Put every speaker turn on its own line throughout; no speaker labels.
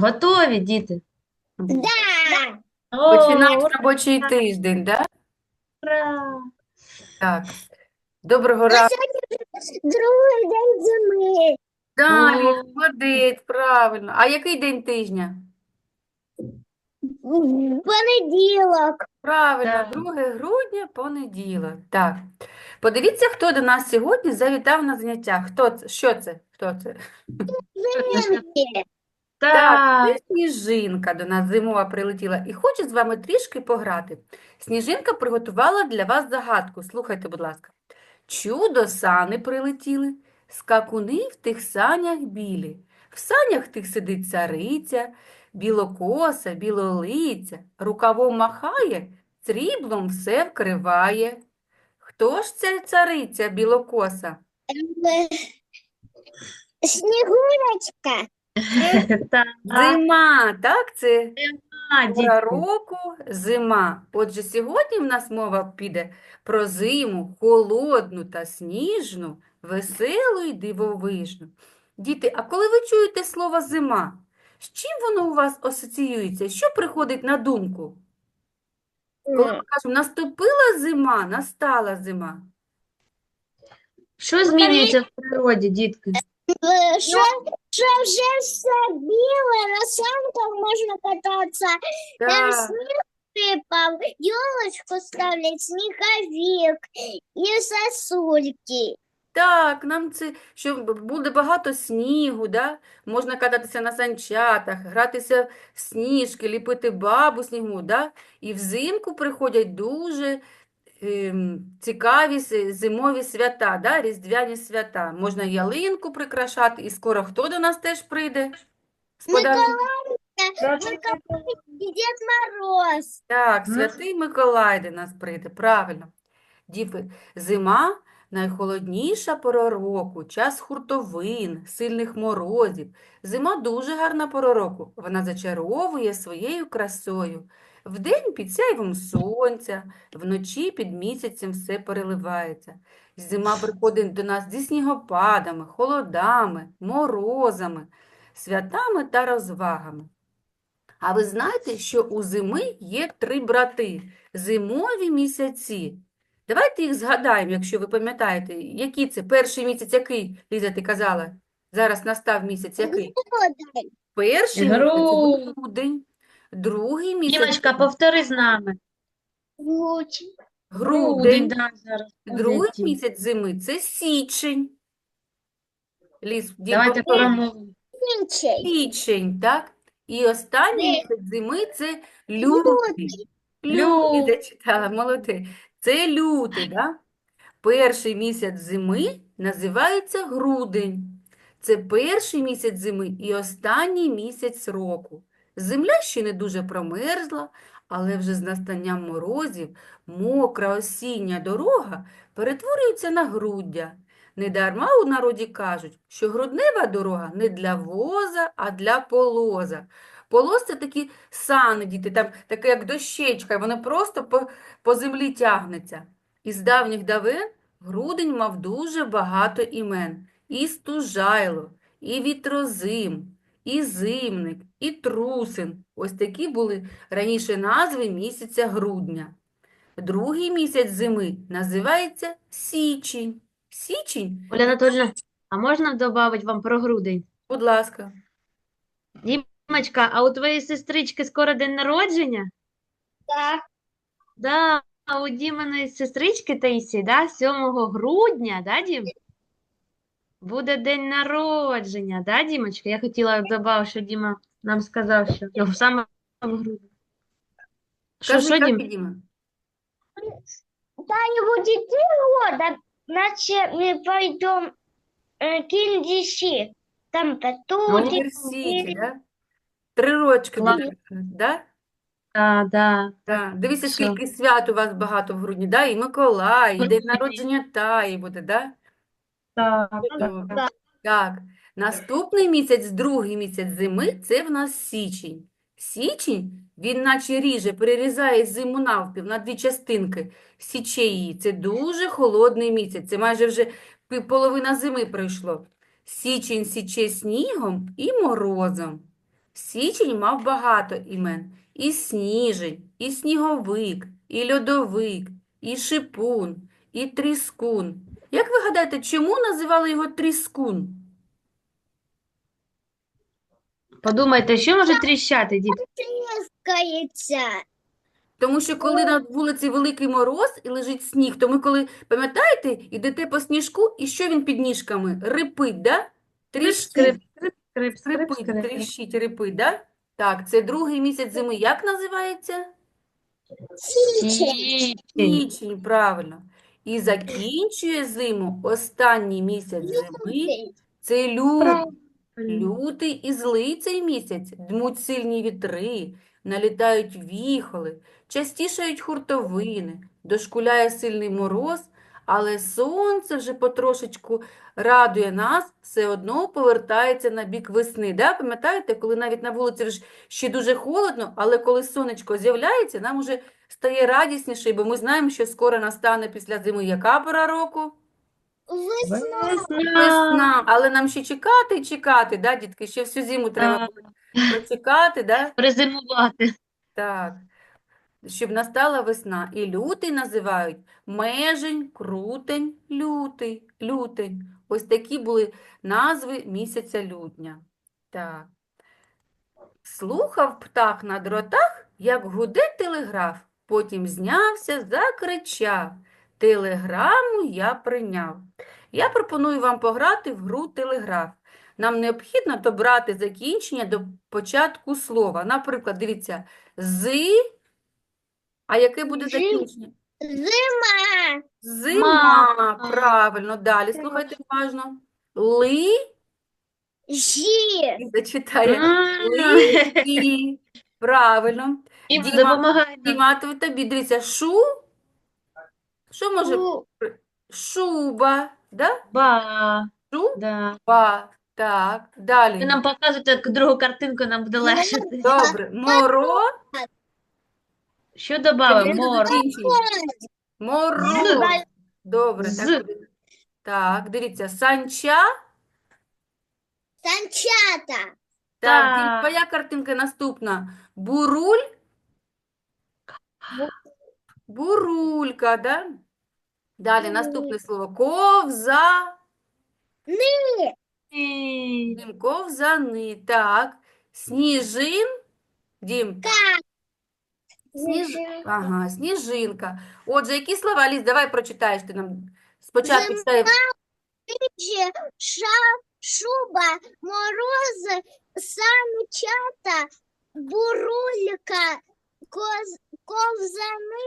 Готові, діти?
Да.
О,
Починаємо робочий тиждень, да?
ура!
Так. Доброго
На
ранку.
сьогодні другий день зими.
Далі,
О,
молодець, правильно. А який день тижня?
Понеділок.
Правильно,
так.
2 грудня, понеділок. Так. Подивіться, хто до нас сьогодні завітав на заняття. Хто це? Що це? Хто це?
Наша-
Зимки.
Так, це
Так.
Сніжинка до нас зимова прилетіла і хоче з вами трішки пограти. Сніжинка приготувала для вас загадку. Слухайте, будь ласка. Чудо сани прилетіли, скакуни в тих санях білі. В санях тих сидить цариця, білокоса, білолиця, рукавом махає, сріблом все вкриває. Хто ж ця цариця білокоса?
Е, Снігурочка.
Так,
Зима, так? Це пора
дітки.
року зима. Отже, сьогодні в нас мова піде про зиму, холодну та сніжну, веселу і дивовижну. Діти, а коли ви чуєте слово зима, з чим воно у вас асоціюється? Що приходить на думку? Коли ми кажемо, наступила зима, настала зима.
Що змінюється в природі, дітки?
Що вже все біле, на санках можна кататися. Там
Так.
сніг випав, ёлочку ставлять, сніговик і сосульки.
Так, нам це, що буде багато снігу, да? Можна кататися на санчатах, гратися в сніжки, ліпити бабу снігу, да? І взимку приходять дуже цікаві зимові свята, да? Різдвяні свята. Можна ялинку прикрашати, і скоро хто до нас теж прийде? з подарунком?
Миколай і Дід Мороз.
Так, Святий Миколай до нас прийде, правильно. Діти, зима– найхолодніша пора року, час хуртовин, сильних морозів. Зима дуже гарна пора року. Вона зачаровує своєю красою. Вдень під сяйвом сонця, вночі під місяцем все переливається. Зима приходить до нас зі снігопадами, холодами, морозами, святами та розвагами. А ви знаєте, що у зими є 3 брати– зимові місяці. Давайте їх згадаємо, якщо ви пам'ятаєте, які це. Перший місяць який, Ліза, ти казала? Зараз настав місяць який? Перший місяць
Гру.
грудень, другий місяць
Дімочка, повтори з нами. Грудень,
грудень,
да, зараз.
другий
Молодці.
місяць зими– це січень. Ліз,
Давайте промовимо.
січень, так? І останній місяць зими– це лютий. Лютий
Лю.
зачитала, молодець. Це лютий, да? Перший місяць зими називається грудень. Це перший місяць зими і останній місяць року. Земля ще не дуже промерзла, але вже з настанням морозів мокра осіння дорога перетворюється на груддя. Недарма у народі кажуть, що груднева дорога не для воза, а для полоза. Полоз– це такі сани, діти, там таке як дощечка, воно просто по землі тягнеться. Із давніх давен грудень мав дуже багато імен. І Стужайло, і Вітрозим, і Зимник, і Трусин. Ось такі були раніше назви місяця грудня. Другий місяць зими називається січень. Січень,
Оля Анатольевна, а можна додати вам про грудень?
будь ласка.
Дімочка, а у твоєї сестрички скоро день народження?
Так.
Да, а у Діминої сестрички Таїсії, да, 7 грудня, да, Дім? Буде день народження, да, Дімочка? Я хотіла додати, що Діма нам сказав, що його саме в грудні.
Кажи,
Що, Дім?
Діма?
Да, будет 3 года, значит, мы пойдем Киндиши. Там
В
Петулик.
університеті, да? 3 рочки
Клас.
буде, да?
Да, да.
Так. Дивіться,
Що?
скільки свят у вас багато в грудні, да? І Миколай, і день народження Таї буде, да?
Так,
Чудово.
так.
Так, наступний місяць, другий місяць зими, це в нас січень. Січень, він наче ріже, перерізає зиму навпіл на 2 частинки, січе її. Це дуже холодний місяць, це майже вже половина зими пройшло. Січень січе снігом і морозом. Січень мав багато імен. І сніжень, і сніговик, і льодовик, і шипун, і тріскун. Як ви гадаєте, чому називали його тріскун?
Подумайте, що може тріщати, дітки?
Трескается.
Тому що коли на вулиці великий мороз і лежить сніг, то ми коли, пам'ятаєте, йдете по сніжку, і що він під ніжками? Рипить, да? Тріщить,
Скрип, скрип, скрип, скрип,
скрипить,
скрип.
тріщить, рипить, да? Так, це другий місяць зими. Як називається?
Сичень.
Січень.
Січень, правильно. І закінчує зиму останній місяць зими. Це лютий.
Правильно.
Лютий і злий цей місяць. Дмуть сильні вітри, налітають віхоли, частішають хуртовини, дошкуляє сильний мороз, але сонце вже потрошечку радує нас, все одно повертається на бік весни. Да? Пам'ятаєте, коли навіть на вулиці вже ще дуже холодно, але коли сонечко з'являється, нам уже стає радісніше, бо ми знаємо, що скоро настане після зими яка пора року?
Весна.
Весна.
Весна, але нам ще чекати і чекати, да, дітки? Ще всю зиму треба
Так.
прочекати, да?
Перезимувати.
Так, щоб настала весна. І лютий називають межень, крутень, лютень. Ось такі були назви місяця лютня. Так. Слухав птах на дротах, як гуде телеграф. Потім знявся, закричав. Телеграму я прийняв. Я пропоную вам пограти в гру телеграф. Нам необхідно добрати закінчення до початку слова. Наприклад, дивіться, а яке буде
Зим.
закінчення?
Зима.
Зима, правильно. Далі слухайте уважно.
Жи.
Зачитає. Лисі. Правильно.
Діма,
Діма,
допомагай нам.
Діма, тобі дивіться, що може? Шуба, да?
Ба.
Шуба,
Да.
так,
Ви
далі.
нам показуєте другу картинку, нам буде легше.
Добре,
Що додамо?
Яке
Мор.
закінчення? Мороз. Добре,
З.
так буде. Так, дивіться, санча.
Санчата.
Так, Дім,
Так.
твоя картинка наступна. Буруль. Бурулька, да? Далі наступне слово.
І-
Дім, ковзани. Так. Дім. Ага, сніжинка. Отже, які слова, Ліз, давай прочитаєш ти нам. Спочатку читай.
Шуба, мороз, санчата, бурулька, ковзани,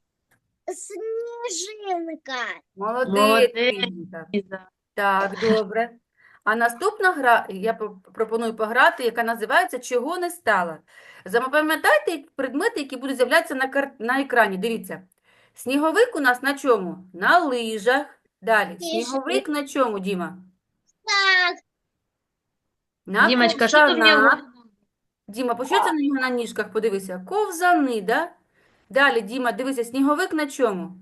сніжинка.
Молодець,
Молодець.
Ліза.
Ліза.
Так, добре. А наступна гра, я пропоную пограти, яка називається «Чого не стало?». Запам'ятайте предмети, які будуть з'являтися на екрані. Дивіться. Сніговик у нас на чому? На лижах. Далі. Сніговик на чому, Діма?
Так,
На
Дімочка, що тут в нього?
ковзанах. Діма, по що це на нього на ніжках? Подивися. Ковзани, да? Далі, Діма, дивися, сніговик на чому?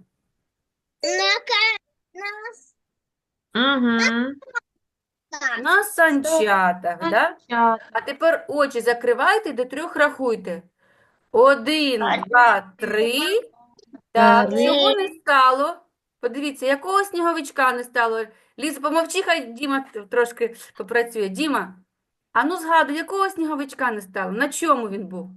Угу.
На санчатах, да?
Чат.
А тепер очі закривайте, до 3 рахуйте. 1, 2, 3. Так,
Три.
чого не стало? Подивіться, якого сніговичка не стало. Ліза, помовчи, хай Діма трошки попрацює. Діма, а ну згадуй, якого сніговичка не стало? На чому він був?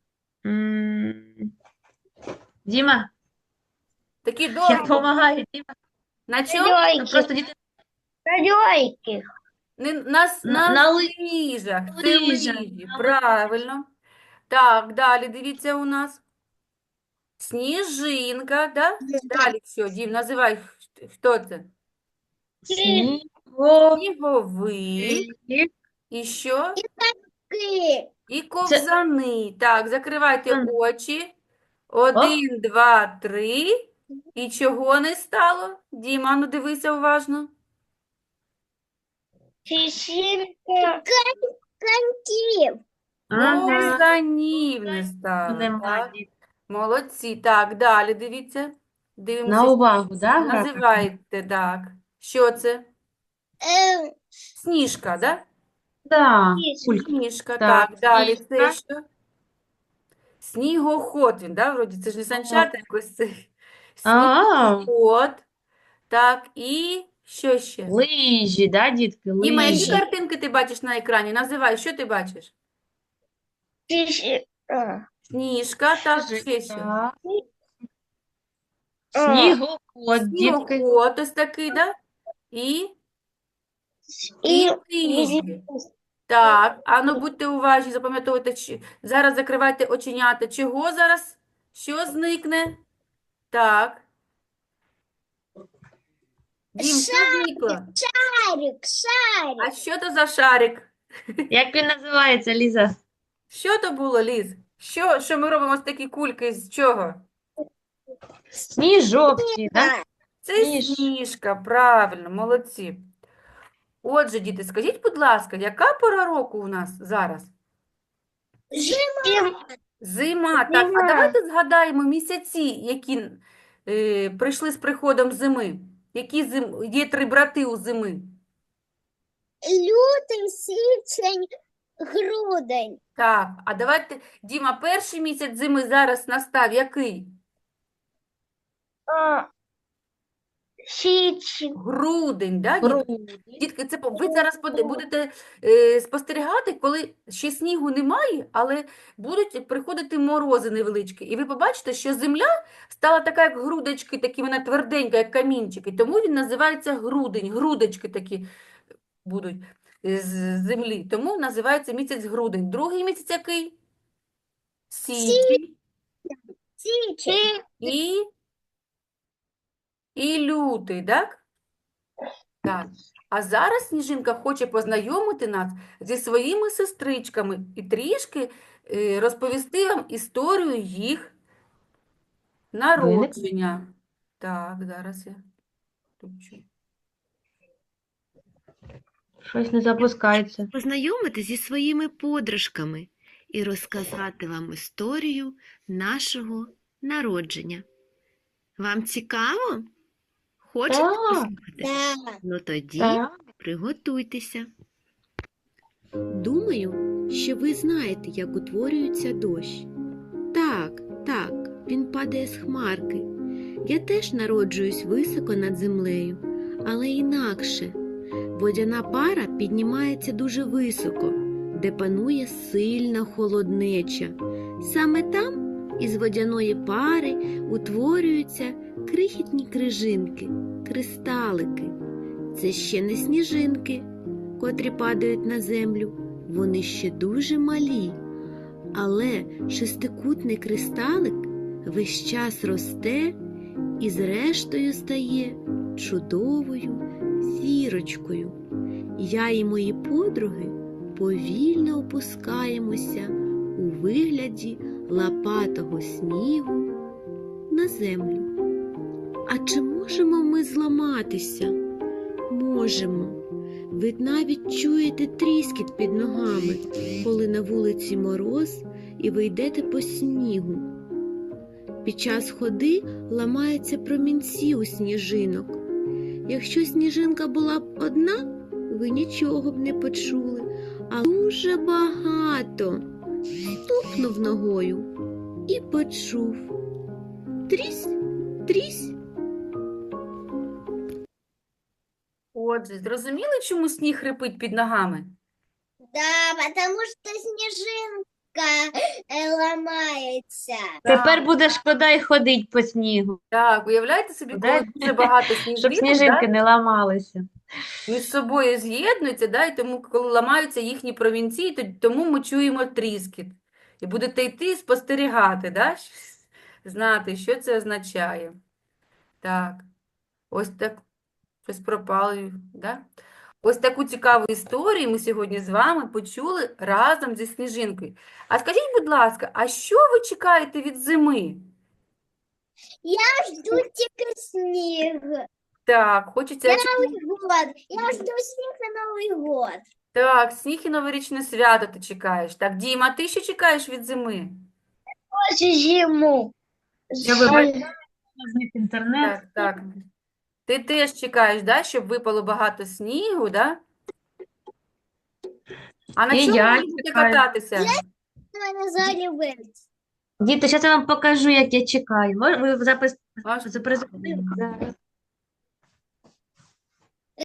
Діма,
Такий
я
довгий.
допомагаю. Діма.
На чому?
Просто діти
льойки.
На
на
лижах. Це
лижах.
лижі, правильно. Так, далі дивіться у нас. Сніжинка, да? Далі що, Дім, називай, хто це? Сніговик. І що? І ковзани. Так, закривайте
Мгм.
очі. 1, 2, 3. І чого не стало? Діма, ну дивися уважно.
Коньків.
Ага.
Ковзанів не стало.
Нема,
Так,
діти.
молодці. Так, далі дивіться.
На
Дивимося.
увагу, да, гра?
Називайте, так. Що це? Сніжка, да?
Да, кулька.
Сніжка,
Так,
так, далі це
сніжка.
що? Снігоход він, да, вроді, це ж не санчата якось це.
А,
Снігоход, так, і що ще?
лижі, да, дітки,
Діма, які
лижі.
картинки ти бачиш на екрані? Називай, що ти бачиш? Сніжка, так, ще що?
Так. Снігоход, дітки.
Снігоход ось такий, да? І
И
лижі. Так, а ну будьте уважні, запам'ятовуйте, зараз закривайте оченята. Чого зараз? Що зникне? Так. Дім, що зникло?
шарик,
А
шарик.
що то за шарик?
Як він називається, Ліза?
Що то було, Ліз? Що ми робимо з такі кульки? З чого?
Сніжок, да?
Це
Сніж.
сніжка, правильно, молодці. Отже, діти, скажіть, будь ласка, яка пора року у нас зараз? Зима. Так, а
Зима.
давайте згадаємо місяці, які прийшли з приходом зими. Є три брати у зими.
Лютий, січень, грудень.
Так, а давайте, Діма, перший місяць зими зараз настав який?
Січень.
Грудень, да, дітки?
Грудень.
Дітки, це ви зараз будете спостерігати, коли ще снігу немає, але будуть приходити морози невеличкі. І ви побачите, що земля стала така, як грудочки, такі вона тверденька, як камінчики. Тому він називається грудень. Грудочки такі будуть з землі. Тому називається місяць грудень. Другий місяць який? Січень
Січень.
і, і лютий, так? Так. А зараз Сніжинка хоче познайомити нас зі своїми сестричками і трішки розповісти вам історію їх народження. Так, зараз я включу.
Щось не запускається.
Познайомити зі своїми подружками і розказати вам історію нашого народження. Вам цікаво? Хочете
Так.
послухати?
Так.
Ну тоді
Так.
приготуйтеся. Думаю, що ви знаєте, як утворюється дощ. Так, він падає з хмарки. Я теж народжуюсь високо над землею, але інакше. Водяна пара піднімається дуже високо, де панує сильна холоднеча. Саме там із водяної пари утворюються крихітні крижинки, кристалики. Це ще не сніжинки, котрі падають на землю. Вони ще дуже малі. Але шестикутний кристалик весь час росте і зрештою стає чудовою зірочкою. Я і мої подруги повільно опускаємося у вигляді лопатого снігу на землю. А чи можемо ми зламатися? Можемо. Ви навіть чуєте тріскіт під ногами, коли на вулиці мороз і ви йдете по снігу. Під час ходи ламаються промінці у сніжинок. Якщо сніжинка була б одна, ви нічого б не почули, а дуже багато. Стукнув ногою і почув. Трісь, трісь.
Отже, зрозуміли, чому сніг хрипить під ногами?
Да, потому что снежинка ломается.
Тепер буде шкода й ходить по снігу,
Так, уявляєте собі,
Да?
коли дуже багато
щоб
сніжинок,
сніжинки не ламалися.
між собою з'єднуються, да, і тому, коли ламаються їхні промінці, тому ми чуємо тріскіт. І будете йти і спостерігати, да, знати, що це означає. Так, ось так, щось пропало, да? Ось таку цікаву історію ми сьогодні з вами почули разом зі Сніжинкою. А скажіть, будь ласка, а що ви чекаєте від зими?
Я жду только снег.
Так, хочеться...
Новый год. Я жду снег на Новый год.
Так, сніг і новорічне свято ти чекаєш. Так, Діма, ти що чекаєш від зими?
Очень зиму.
Я вибачаю, зник інтернет.
Так. Ти теж чекаєш, да, щоб випало багато снігу, да? А на
І
чому
я
ви будете
чекаю.
кататися?
Мене
Діти, зараз я вам покажу, як я чекаю. Ви запис
Аж
запрезентуємо зараз.